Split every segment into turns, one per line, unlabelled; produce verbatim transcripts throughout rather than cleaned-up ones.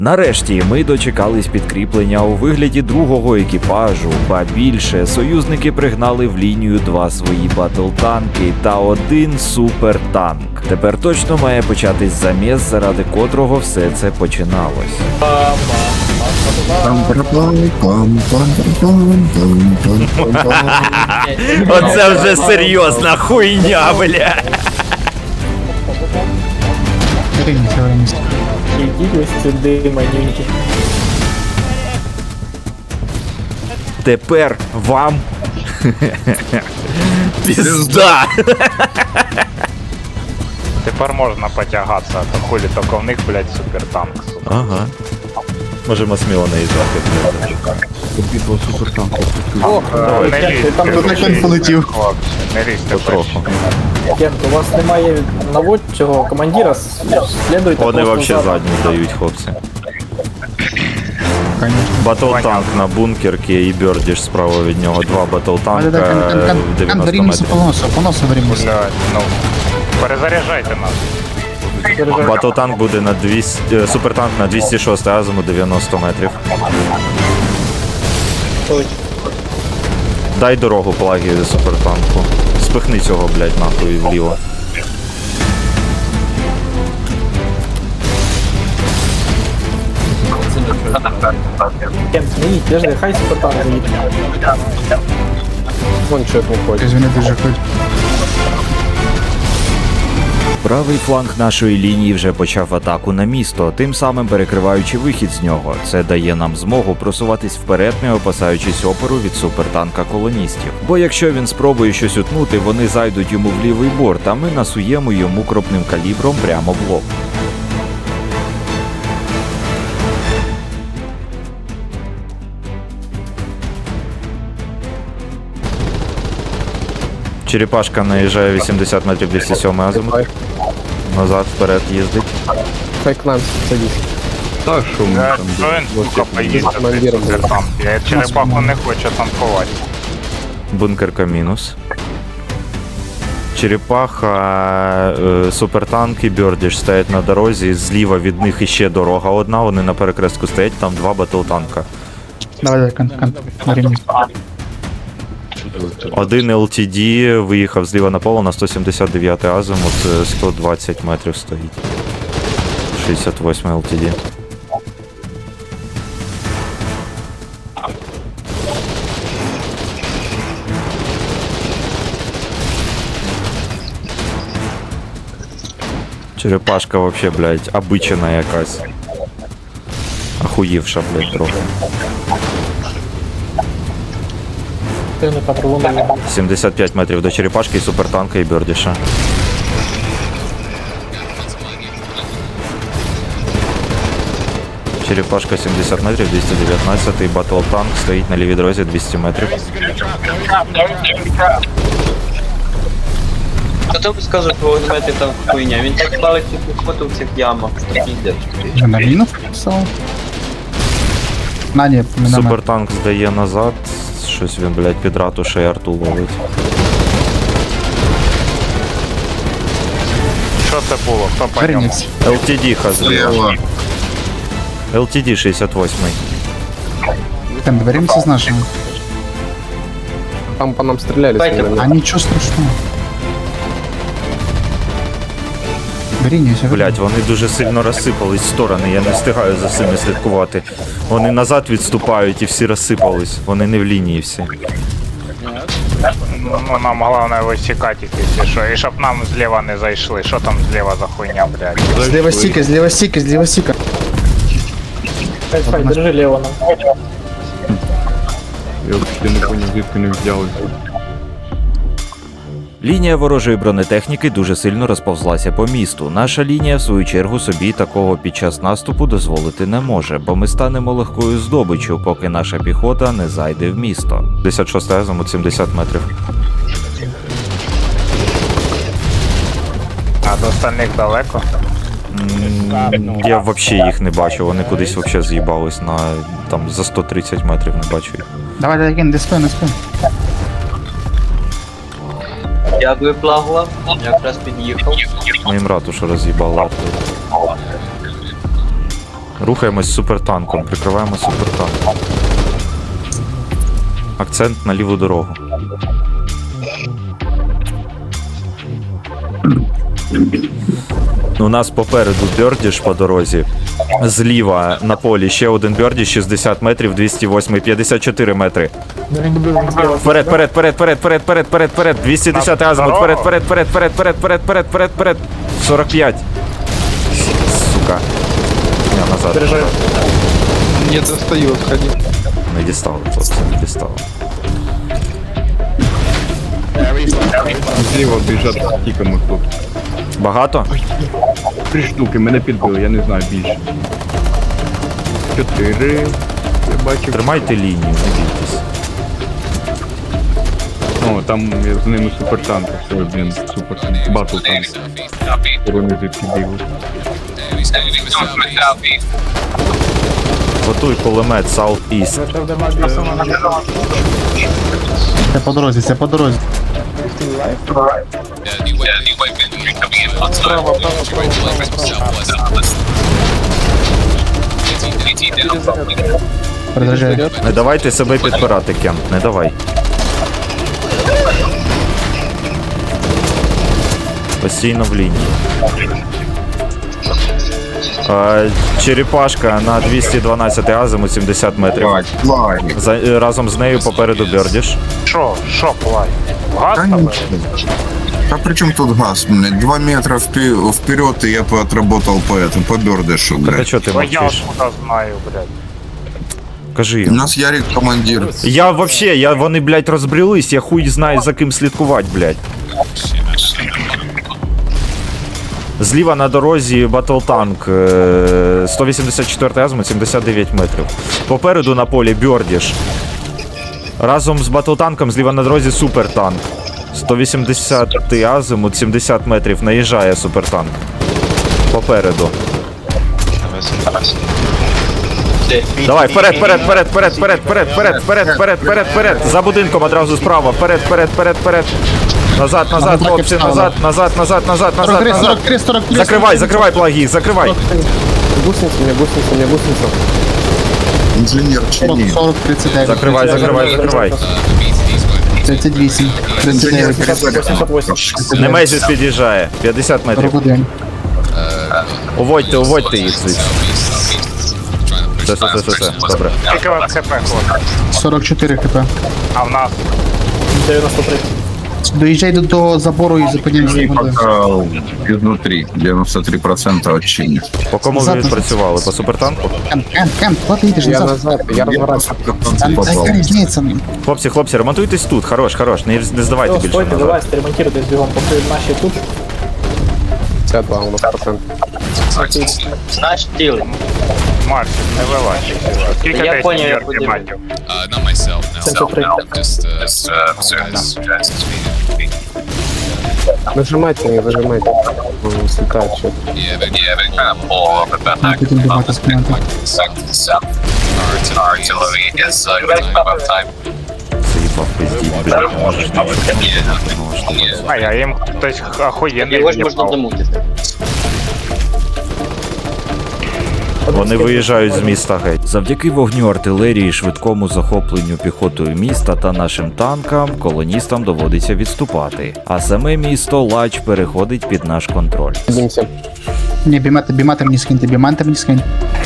Нарешті ми дочекались підкріплення у вигляді другого екіпажу, ба більше, союзники пригнали в лінію два свої батл-танки та один супертанк. Тепер точно має початись заміс, заради котрого все це починалось. Оце вже серйозна хуйня, бля.
Ідіть ось сюди, манюньки.
Тепер вам пізда.
Тепер можна потягатися, а то хулі тільки в них, блядь, супертанк.
Ага. Можемо сміло наїжджати, блядь.
Битва супертанков.
О,
Не
Кент,
лізьте,
там
Тут
хлопці,
так полетів.
хлопці, не лізьте
Потроху.
Кент, у вас немає наводчого командира, слідуйте
Вони
просто
вообще
за-
задні здають, хлопці. Батл-танк на бункерки і Бёрдіш справа від нього. Два батл-танка дев'яносто метрів.
Поносу, поносу времени.
Блядь, ну, перезаряджайте нас.
Держи.
Батл-танк буде на двісті, е, супертанк на двісті шість азимут дев'яносто метрів. Дай дорогу плагі супертанку. Спихни цього, блядь, нахуй вліво.
Кент, не їдь, держи, хай супертанк заїде. Вон чек виходить.
Извини, ты же хоть.
Правий фланг нашої лінії вже почав атаку на місто, тим самим перекриваючи вихід з нього. Це дає нам змогу просуватись вперед, не опасаючись опору від супертанка колоністів. Бо якщо він спробує щось утнути, вони зайдуть йому в лівий борт, а ми насуємо йому кропним калібром прямо в лоб. Черепашка наїжджає вісімдесят метрів двісті сьомий азимут. Назад, вперед їздить.
Хай к нам садись.
Так, що ми
Блядь,
там.
що він, сука, поїздить цей
командиром буде.
супертанк? Я черепаху не хочу танкувати.
Бункерка мінус. Черепаха, е, супертанк і Бёрдіш стоять на дорозі, зліва від них іще дорога одна, вони на перекрестку стоять, там два батл-танка.
Давай, давай, кон, кон, времени.
Один ел ті ді виїхав зліва на поле на сто сімдесят дев'ятий азимут, е, сто двадцять метрів стоїть. шістдесят восьмий ел ті ді. Черепашка вообще, блядь, обичена якась. Охуївша, блядь, трохи.
Ти не патрулює.
сімдесят п'ять метрів до черепашки, і супертанка, і Бёрдіша. Черепашка сімдесят метрів, двісті дев'ятнадцять, батл-танк стоїть на лівій дорозі двісті метрів.
Хто б сказав про вогнемети там хуйня? Він так палить цю піхоту в цих ямах, що піздець.
На мину писал? На, не, миномет.
Супертанк здає назад, щось він, блядь, під ратушею арту ловить.
Що це було? Хто по ньому?
Вернись.
ел ті ді зліва. ел ті ді шістдесят восьмий.
Кон, доверимся с нашим.
Там по нам стріляли.
Дайте,
А ничего страшного. Вернись,
Блять, вони дуже сильно розсипались в сторони, я не встигаю за цими слідкувати. Вони назад відступають і всі розсипались. Вони не в лінії всі.
Ну, нам головне висікати їх, якщо що. І щоб нам зліва не зайшли. Що там зліва за хуйня, блядь?
Слева стика, слева стика, слева стика.
Хай, хай, держи лево нам.
Я вообще не понял, звідки не взяли.
Лінія ворожої бронетехніки дуже сильно розповзлася по місту. Наша лінія, в свою чергу, собі такого під час наступу дозволити не може, бо ми станемо легкою здобиччю, поки наша піхота не зайде в місто. п'ятдесят шостий азимут, сімдесят метрів.
А до остальних далеко?
М, Я взагалі їх не бачу, вони кудись взагалі з'їбались на там за сто тридцять метрів, не бачу їх.
Давай, давай, ген, диспей, диспей.
Дякую, Плагула. Якраз під'їхав.
Ми їм ратушу роз'їбали. Рухаємось з супертанком, прикриваємо супертанк. Акцент на ліву дорогу. У нас попереду Бьордіш по дорозі. Зліва на полі ще один Бьордіш, шістдесят метрів, двісті вісім, п'ятдесят чотири метри. Вперед, вперед, вперед, вперед, вперед, вперед, вперед, вперед, двісті десять азимут, вперед, вперед, вперед, вперед, вперед, вперед, вперед, вперед, вперед, сорок п'ять. Сука. Я назад.
Заряжаю.
Не достает, ходи.
Не дістали, хлопці, не дістали.
Зліва біжать з тіками тут.
Багато?
Три штуки, мене підбили, я не знаю більше. Чотири. Я бачив.
Тримайте лінію, не бійтесь.
О, там з ними супертанк. Все, блін, супер. Батл танк. Вони звідки бігли.
Готуй кулемет South East.
Це по дорозі, це по дорозі. Продовжай.
Не давайте себе підпирати, Кен, не давай. Постійно в лінії. Е, Черепашка на двісті дванадцять азимут, сімдесят метрів. За, е, разом з нею попереду Бьордіш.
Що? Що плай? Газ
Да
там?
ничего. А при чем тут газ, блядь? Два метра впе- вперед, и я бы отработал по этому, по бердышу,
Так а
блядь.
чого ти
Бо я
мовчиш?
откуда знаю, блядь.
Кажи
У
їм.
нас Ярик командир.
Я вообще, я, вони, блядь, розбрілись, я хуй знаю за ким слідкувати, блядь. Зліва на дорозі батлтанк, е, сто вісімдесят чотири азимут, сімдесят дев'ять метрів. Попереду на полі Бьордіш. Разом з батлтанком зліва на дорозі супертанк. сто вісімдесят азимут, сімдесят метрів. Наїжджає супертанк. Попереду. Давай, вперед, вперед, вперед, вперед, вперед, вперед, вперед, вперед, вперед, вперед, вперед. За будинком одразу справа. Вперед, вперед, вперед, вперед. Назад, назад, хлопці, назад, назад, назад, назад, назад,
сорок три,
назад.
сорок три, сорок три.
Закривай, закривай плаги, закривай.
Гусеница, мне гусеница, мне гусеница.
Инженер чини.
сорок, тридцать девять.
Закривай, закривай, закривай.
тридцять вісім. тридцять дев'ять.
восемьдесят восемь.
Немезіс під'їжджає. п'ятдесят метрів.
Рободень.
Уводьте, уводьте їх звідси. Все, все, все, все, все. Добре.
Тільки в ЦП хлопці.
сорок чотири хп.
А в нас
девяносто три.
Доїжджай до того забору і зупиняйся.
И пока изнутри, девяносто три процента от чини.
По кому ви
Назад,
відпрацювали? По супертанку?
Кем, кем, кем, куди ти йдеш
Я
назад?
назад, я разворачиваюсь.
Там яка різниця?
Хлопці, хлопці, ремонтуйтесь тут. Хорош, хорош. Не, не здавайте
Все,
більше
стойте,
назад.
давай, сремонтируйтесь бегом, пока наши тут. пятьдесят два у нас процент.
Наш тіл.
Марсик, не вилазь. Скільки
Я
десь
поняв, я
мір
подивлюсь.
матів?
Uh, not myself, no.
семьдесят три.
Just, uh, uh, just, just
Нажимайте, не зажимайте. Он слетает что-то.
yeah, but yeah, but kind of pull up at
А потім бігати спинати.
south, south. Our artillery is uh, going about time.
Заїбав пиздіть, блядь. Можеш не
Yeah,
А я їм хтось охуєнний
Його ж можна
в'їбав.
замутити.
Вони виїжджають з міста геть. Завдяки вогню артилерії, швидкому захопленню піхотою міста та нашим танкам, колоністам доводиться відступати. А саме місто Лач переходить під наш контроль.
Садимся.
Ні, бімати, бімати мені скиньте, бімати мені скинь.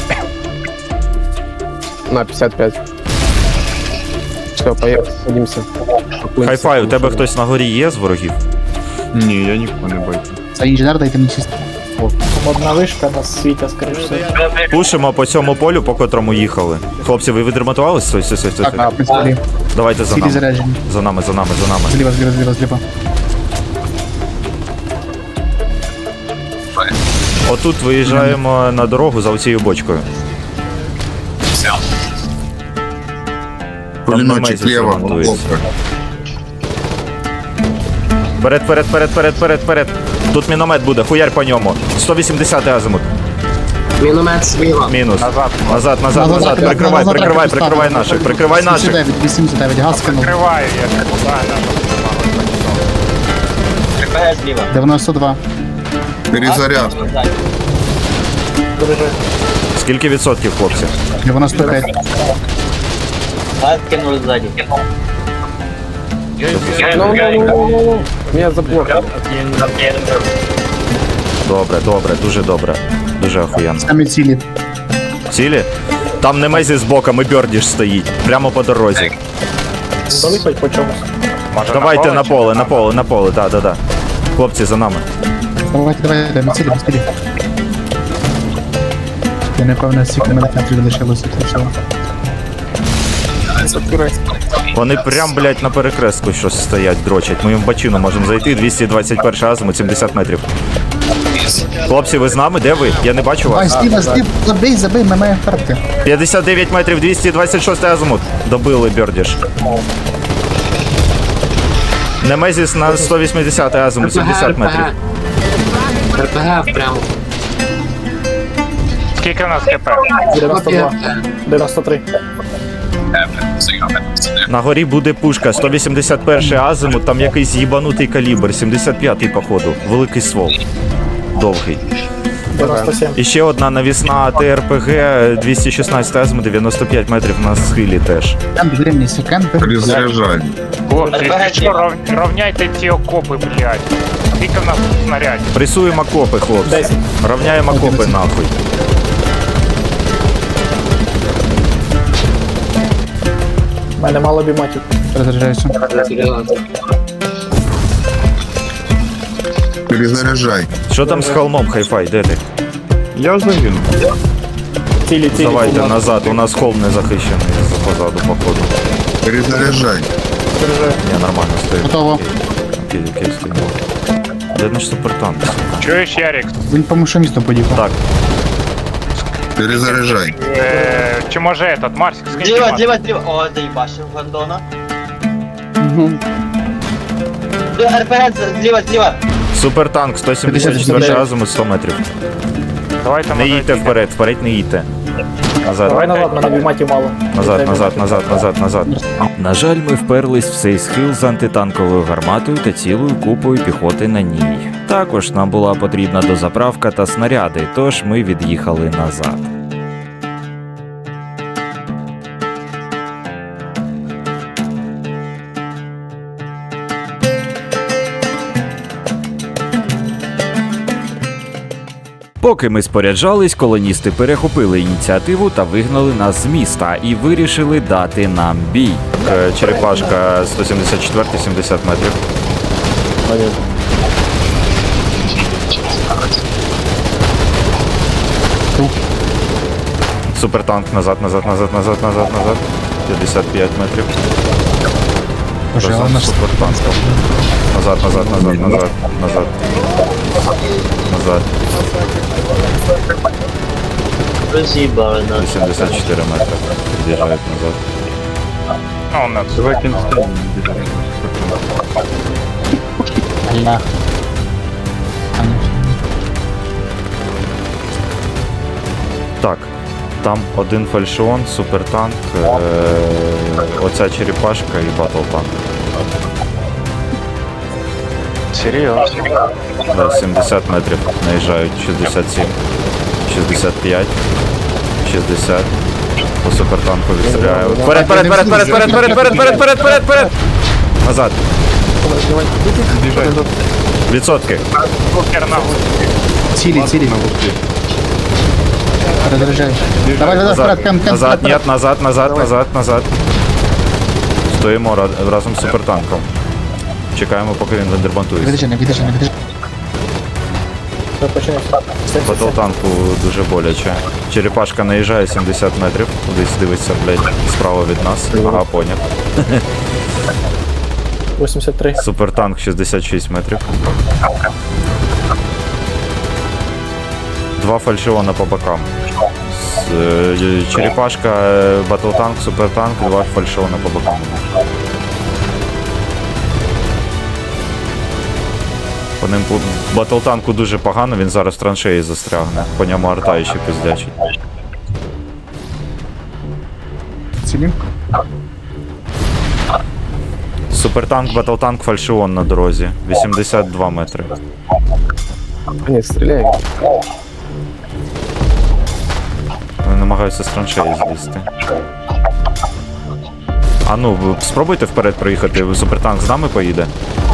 На пятьдесят пять. Все, поехали, садимся.
Хай-фай, у тебе хтось на горі є з ворогів?
Ні, я нікого не бачу. Це інженер, дайте мені чисто.
Там одна вышка, нас світя, скорее всего.
Пушимо по цьому полю, по котрому їхали. Хлопці, ви відремонтувались? Стой, стой, стой, стой.
Так, в принципі,
Давайте за
цілі
нами.
заряджені.
За нами, за нами, за нами.
Зліва, зліва, зліва, зліва.
Отут виїжджаємо на дорогу за оцією бочкою.
Пулеметчик
Немезис
лево.
ремонтується.
ловко.
Вперед, вперед, вперед, вперед, вперед, вперед. Тут міномет буде, хуярь по ньому. сто вісімдесят азимут.
Миномет слева.
Мінус.
Назад.
Назад, назад, назад. Прикривай, прикривай, прикривай наших, прикривай наших.
вісімдесят дев'ять, вісімдесят дев'ять, газ кинув.
Криваю, я не кудаю.
РПГ зліва.
дев'яносто два.
Перезаряд.
Заряжай.
Скільки відсотків, хлопці?
девяносто пять.
А кинули ззаді.
Ну, ну, ну, ну, ну. Меня заблокали.
Добре, добре, дуже добре. Дуже охуєнно.
Сами цели.
Цілі? Там Немезі з боком і Бьордіш стоїть. Прямо по дорозі.
Дали хоть по чомусь.
Може,
Давайте на
чи-
поле, на поле, на поле, да, да, да. Хлопці, за нами.
Давайте, давайте, давайте, цели, цели. Я напевно стільки на центрі залишилося для цього.
Вони прям, блядь, на перекрестку щось стоять, дрочать. Ми їм в бачину можемо зайти. двісті двадцять перший азимут, сімдесят метрів. Хлопці, ви з нами? Де ви? Я не бачу
Ай,
вас.
Стіва, Стів, забий, забий, ми маємо карти.
п'ятдесят дев'ять метрів, двісті двадцять шостий азимут. Добили Бьордіш. Немезіс на сто вісімдесят азимут, сімдесят метрів.
РПГ прямо.
Скільки в нас КП?
девяносто два. девяносто три.
На горі буде пушка, сто вісімдесят перший азимут, там якийсь їбанутий калібр, сімдесят п'ятий походу, великий ствол. Довгий.
девяносто семь.
І ще одна навісна ТРПГ, двісті шістнадцять азимут, дев'яносто п'ять метрів на схилі теж.
Кемп, древнійся, кемп.
Перезаряжай.
Хлопці, що, ров- равняйте ті окопи, блядь. Скільки в нас тут снарядів?
Пресуємо окопи, хлопці.
десять.
Равняємо окопи нахуй.
У мене мало біматів.
Розряджаюся.
Перезаряжай.
Що там з холмом, хайфай, де ти?
Я загинув.
Цілі, цілі.
Давайте
цілі.
назад, у нас холм не захищений позаду, походу.
Перезаряжай.
Я нормально стою.
Готово.
Окей, окей, стою. Де наш супертанк?
Чуєш, Ярик?
Він по машиністу поїхав.
Так,
Перезаряжай.
Е, чи може этот, Марсик, скільки
Зліва,
Марсик?
зліва, зліва. О, заїбашив Гандона. РПГ зліва, зліва.
супертанк, сто сімдесят четвертий азимут, сто метрів.
Давайте
Не
може,
їдьте вперед, вперед не їдьте. Назад.
Давай назад, мене біматів мало.
Назад,
Треба
назад,
біматів.
назад, назад, назад. На жаль, ми вперлись в цей схил з антитанковою гарматою та цілою купою піхоти на ній. Також нам була потрібна дозаправка та снаряди, тож ми від'їхали назад. Поки ми споряджались, колоністи перехопили ініціативу та вигнали нас з міста і вирішили дати нам бій. Е, Черепашка сто сімдесят четвертий, сімдесят метрів. Супертанк назад, назад, назад, назад, назад, назад. п'ятдесят п'ять метрів.
Боже, але
Разом
наш
з супертанком. Назад, назад, назад, назад, назад. Назад.
Роз'їбали нас.
вісімдесят чотири метри. Під'їжджають назад.
Ну, не
Давай кінцем.
Аллах.
Так, там один фальшион, супертанк, е- оця черепашка і батлтанк.
серйозно.
Да, сімдесят метрів наїжджають, шістдесят сім, шістдесят п'ять, шістдесят. По супертанку відстріляю. Вперед, вперед, вперед, вперед, вперед, вперед, вперед, вперед, вперед, вперед, вперед! Назад. Відсотки.
Покер на гусі.
Цілі, цілі. Розряджаю. Давай, давай, вперед,
Назад,
кемп, кемп,
назад,
вперед.
нет, назад, назад, назад, назад. Стоїмо ра- разом з супертанком. Чекаємо, поки він вендербантується.
Відрежи, не відрежи, не відрежи.
Все, починається.
Батлтанку дуже боляче. Черепашка наїжджає сімдесят метрів, кудись дивиться, блядь, справа від нас. Ага, поняв.
вісімдесят три.
Супертанк шістдесят шість метрів. Два фальшиона по бокам. С- е, Черепашка, е, батлтанк, супертанк, два фальшиона по бокам. По ним по батлтанку дуже погано, він зараз в траншеї застрягне. По ньому арта ще пиздячить.
Цілі.
Супертанк, батлтанк, фальшион на дорозі. вісімдесят два метри.
Ні, стріляй.
намагаюся з траншеї злізти. А ну, ви спробуйте вперед проїхати, супертанк з нами поїде.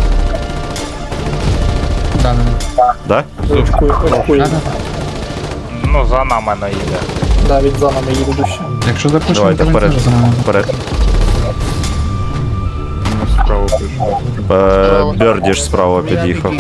Да, да, да.
Да?
Очкує, очкує.
Да, да.
Ну, за нами не їде.
Да, він за нами їде дужче.
Якщо запишемо,
Давайте
то він
вперед.
теж за нами.
Вперед.
Ну, справа прийшов.
Е, Бердіш справа під'їхав.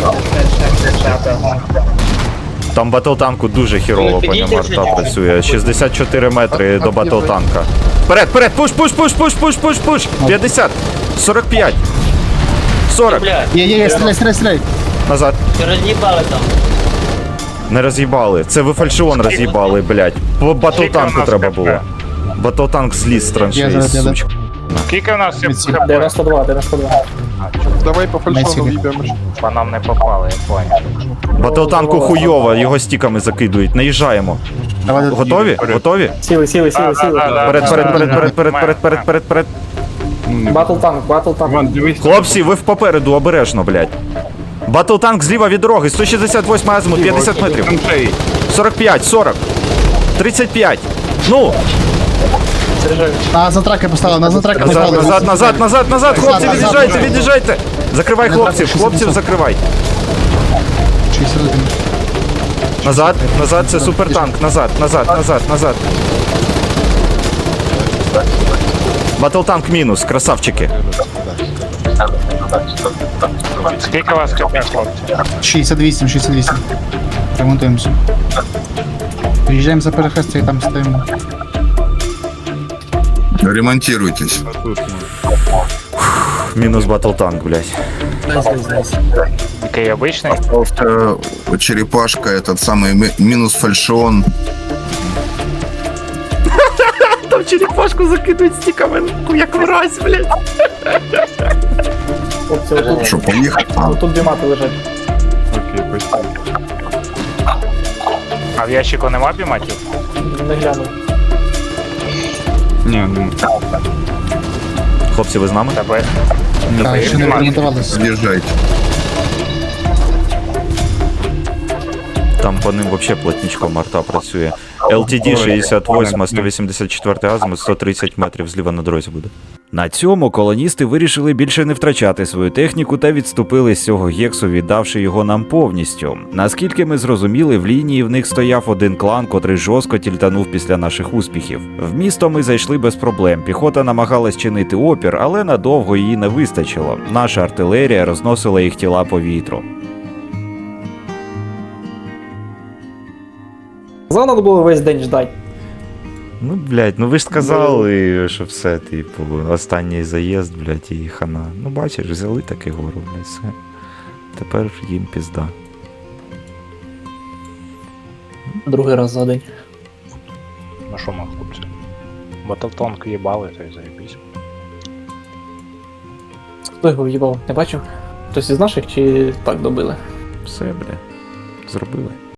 Там батлтанку дуже хірово по ньому арта працює. шістдесят чотири метри до батлтанка. Вперед, вперед, пуш, пуш, пуш, пуш, пуш, пуш, пуш. п'ятдесят, сорок п'ять, сорок.
Бля,
Є, є, є, стріляй, стріляй, стріляй.
Назад.
ти роз'їбали там.
Не роз'їбали. Це ви фальшион роз'їбали, блядь. По батлтанку
Скільки у
треба
нас
було.
КП?
Батлтанк зліз з
Я
траншеї,
зараз, я
сучка.
Скільки в нас всіх
Відсік.
хп?
дев'яносто два, дев'яносто два.
Давай по фальшону
Найсіли.
в'їбемо.
По нам не попали, я понял.
Батлтанку хуйово, його стіками закидують. Наїжджаємо.
Давай, давай.
Готові? Готові?
Сіли, сіли, сіли, сіли.
Перед, перед, перед, перед, перед, перед, перед, перед, перед.
Ну, не
Батл танк, батл танк.
Іван, дивись.
Хлопці, ви в попереду, обережно, блядь. Батлтанк зліва від дороги, сто шістдесят восьмий азимут, п'ятдесят метрів.
Траншеї.
сорок п'ять, сорок, тридцять п'ять. Ну,
Заряджаю.
На затраки поставили, на затраки
назад,
поставили.
назад, назад, назад, назад, хлопці,
Назад,
від'їжджайте,
назад.
від'їжджайте. Закривай
Не
хлопців,
трапиш,
хлопців
шістдесят.
закривай.
шістдесят один.
Назад, назад, це супертанк, назад, назад, назад, назад. Батлтанк мінус, красавчики.
Скільки у вас хп, хлопці?
шістдесят вісім, шістдесят вісім. Ремонтуємося. Приїжджаємо за перехрестя і там стоїмо.
Ремонтируйтесь.
Тут,
Мінус батлтанк, блядь.
Який обичний?
Остался черепашка, этот самый ми- минус фальшион.
Там черепашку закидують стіками, як мразь, блядь.
Хлопці, отут,
Что, поехать? А,
отут дві мати лежать.
окей, спасибо.
А в ящику нема біматів?
Не глянув.
Ні, ну,
Хлопці, ви з нами?
Тебе
Так, ще не ремонтувалися.
съезжайте.
Там по ним вообще плотничком арта працює. ел ті ді шістдесят вісім, сто вісімдесят чотири азимут, сто тридцять метрів зліва на дорозі буде. На цьому колоністи вирішили більше не втрачати свою техніку та відступили з цього гексу, віддавши його нам повністю. Наскільки ми зрозуміли, в лінії в них стояв один клан, котрий жорстко тільтанув після наших успіхів. В місто ми зайшли без проблем. Піхота намагалась чинити опір, але надовго її не вистачило. Наша артилерія розносила їх тіла по вітру.
За надо було весь день ждати.
Ну, блядь, ну ви ж сказали, що все, типу, останній заїзд, блядь, і хана. Ну, бачиш, взяли таки гору, блядь, все. Тепер їм пізда.
Другий раз за день.
Ну що ми, хлопці? Батлтонк їбали, то й заєбісь.
Хто його в'їбав? Не бачив? Хтось із наших чи так добили?
Все, блядь, зробили.